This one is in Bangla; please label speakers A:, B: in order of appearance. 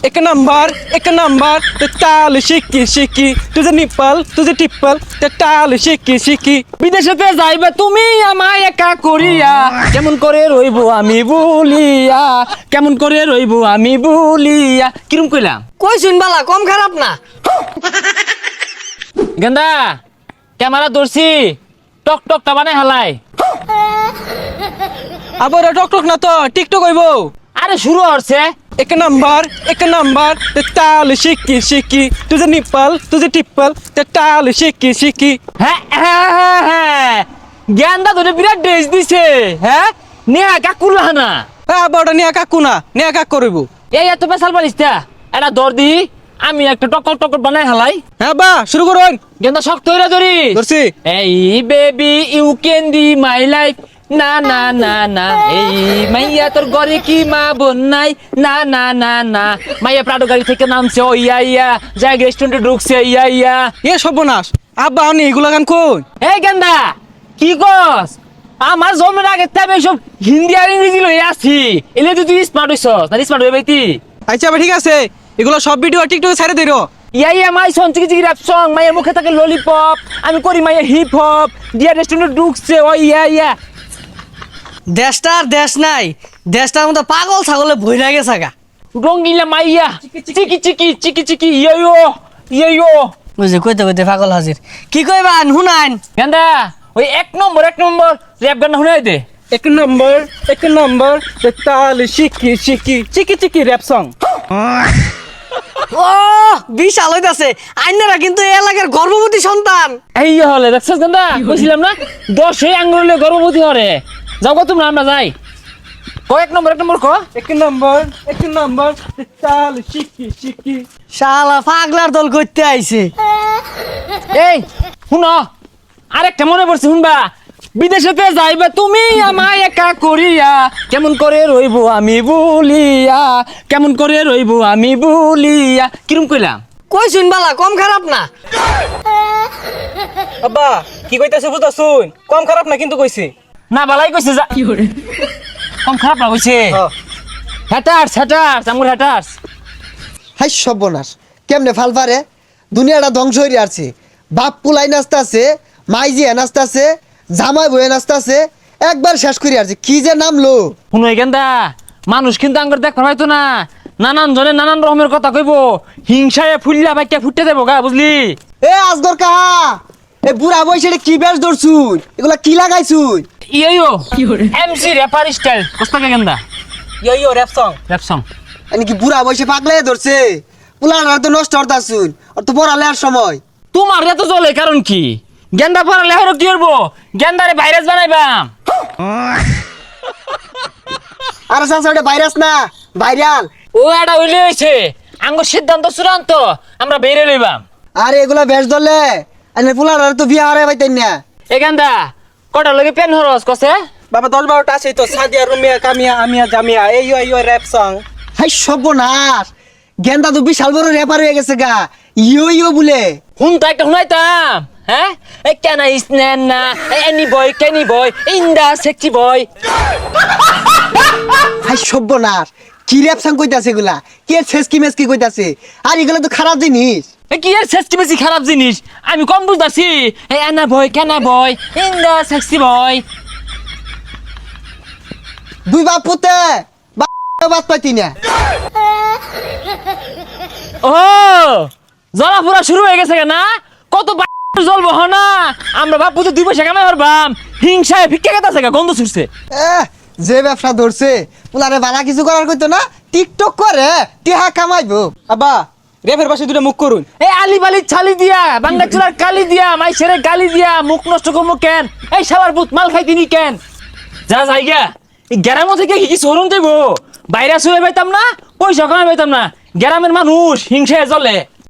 A: एक नंबर ते ताल शिकी शिकी तुझे निप्पल तुझे टिप्पल ते ताल शिकी शिकी
B: বিদেশেতে যাইবে তুমি আমায় একা করিয়া কেমন করে রইবো আমি বলিয়া কেমন করে রইবো আমি বলিয়া কিরম কইলাম
C: কই শুনবালা কম খারাপ না।
B: গেন্দা ক্যামেরা ধরছি টক টকটা বানাই হালাই
A: আবার টক টক না তো টিকটক হইব।
B: আরে শুরু হচ্ছে
A: एक नंबर ते ताल शिकी शिकी तुझे निप्पल तुझे टिप्पल ते ताल शिकी शिकी
B: হ্যাঁ হ্যাঁ হ্যাঁ হ্যাঁ গেন্দা ধরে বিরাট ড্রেস দিছে হ্যাঁ নেহা কাকুলা না
A: বড় নিয়া কাকু না নিয়া কাক করব।
B: এই এত পেশাল পারিস তা এটা দর দি আমি একটা টকর টকর বানাই হালাই
A: হ্যাঁ বা শুরু করুন।
B: গেন্দা শক্ত হইরা ধরি
A: ধরছি।
B: এই baby you can be my life না না না না এই মাইয়া তোর ঘরে কি মা বোন নাই না না না না মাইয়া প্রাডো গাড়ি থেকে নামছে ও ইয়া ইয়া যায় রেস্টুরেন্টে ঢুকছে ইয়া ইয়া
A: এ সর্বনাশ আব্বা আমি এগুলা গান কই।
B: এই গেন্দা কি কস আমার জন্মের আগে তবে সব হিন্দি আর ইংরেজি লই আসি এলে তুই স্মার্ট হইছস না স্মার্ট হই বাইতি
A: আচ্ছা ঠিক আছে এগুলো সব ভিডিও টিকটকে ছেড়ে দিরো।
B: ইয়া ইয়া মাই সন চিকি চিকি র‍্যাপ সং মাইয়া মুখে থাকে ললিপপ আমি করি মাইয়া হিপ হপ দিয়া রেস্টুরেন্টে ঢুকছে ও ইয়া ইয়া
C: দেশটা আর দেশ নাই, দেশটার মতো পাগল ছাগলে ভইরা গেছে গা।
B: রঙ্গিলা মাইয়া চিকি চিকি চিকি চিকি ইয়ো ইয়ো
C: বুঝে কইতে কইতে পাগল হাজির। কি কইবান হুনাইন?
B: গেন্দা ওই এক নম্বর র‍্যাপ গান শুনাই দে।
A: एक नंबर ते ताल शिकी शिकी चिकी चिकी रैप सॉन्ग।
C: ও বিশাল হইতাছে। আইনারা কিন্তু এই এলাকার গর্ভবতী সন্তান।
B: এই হলে দেখছস গেন্দা কইছিলাম না 10 এই আঙ্গুলে গর্ভবতী হরে যাও গো তোমরা আমরা যাই কো এক নম্বর কো
A: एक नंबर ते ताल शिकी शिकी
C: শালা পাগলার দল করতে আইছে।
B: এই শুনো আরেকটা মনে পড়ছে শুনবা বিদেশেতে যাইবে তুমি আমায় একা করিয়া কেমন করে রইবো আমি বলিয়া কেমন করে রইবো আমি বলিয়া কিরম কইলাম
C: কই শুনবালা কম খারাপ না।
A: আব্বা কি কইতাছে বুঝা শুন কম খারাপ না কিন্তু কইছে
B: না বালাই কইছে যা কম খারাপ না কইছে হ্যাটার্স আমুর হ্যাটার্স
D: হাই সর্বনাশ কেমনে ফাল পারে দুনিয়াটা ধ্বংস হয়ে আছে। বাপ পুলাই নাচতাছে মাইজিয়া নাচতাছে জামাই বয়ে নাচতাছে একবার শেষ করে আছে কি যে নামলো।
B: শুনো গেন্দা মানুষ কিন্তু আঙ্গুর দেখ পাইতো না নানান জনে নানান রকমের কথা কইব হিংসায় ফুললা বাইকে ফুটতে দেবো গা বুঝলি।
D: এ আজগর কাহা এ বুড়া বয়সে এটা কি বেশ ধরছুই এগুলা কি লাগাইছুই।
B: ইয়ো এমসি র্যাপার স্টাইল কস্তাকে গেন্দা
A: yo rap song
B: rap song
D: মানে কি বুড়া বয়সে পাগলে ধরছে পুলার তো নষ্ট হতাছুন আর তো পড়ালে আর সময়
B: তোমার এত চলে কারণ কি গেন্দা পড়া লেহর কি করবো গেন্দারে ভাইরাস বানাইবাম
D: আর সাথে ওটা ভাইরাস না ভাইরাল।
B: ও এটা হইলে হয়েছে আঙ্গ সিদ্ধান্ত চূড়ান্ত আমরা বেরিয়ে লইবাম।
D: আর এগুলা বেশ ধরলে আরে পুলার তো বিয়া হারাই পাইতেন না।
B: এ গেন্দা কটার লগে পেন হরস কসে
A: बाबा 10-12টা আছে তো সাদিয়া রুমিয়া কামিয়া আমিয়া জামিয়া এই র‍্যাপ সং।
D: হাই সর্বনাশ গেন্দা তো বিশাল বড় র্যাপার হয়ে গেছে গা ইয়ো বলে।
B: হুন তো একটা শুনাইতাম হ্যাঁ এই কেন ইসনেন না এনি বয় কেনি বয় ইন্দা সেক্সি বয়
D: হাই সর্বনাশ কি র্যাপ সং কইতাছে এগুলা কে শেষ কি মেস কি কইতাছে আর এগুলা তো খারাপ জিনিস।
B: এ কি এর সেক্সি বেশি খারাপ জিনিস আমি কম বুঝতাছি এই এনা বয় কেনা বয় ইন্দা সেক্সি বয়
D: দুই বাপ পুতে বাপ পাইতি না।
B: ও জ্বলা পুরা শুরু হয়ে গেছে না কত জল বহ না আমরা বাপু তো 2 পয়সা কামাই পারবাম হিংসায় ভিক্ষা গেতাছে গন্ধ ছুটছে।
D: যে ব্যবসা ধরছে পুলারে বালা কিছু করার কইতো না টিকটক করে টিহা কামাইবো।
A: আব্বা র‍্যাপের পাশে দুটো মুখ করুন।
B: এই আলি বালি ছালি দিয়া বাংলা চুলার কালি দিয়া মাই ছেড়ে গালি দিয়া মুখ নষ্ট করবো কেন এই সবার বুত মাল খাই তিনি কেন যা যাইগা এই গ্রামে থেকে কি সরুন দেব ভাইরাস হয়ে পাইতাম না পয়সা কামাই পাইতাম না গ্রামের মানুষ হিংসায় জ্বলে।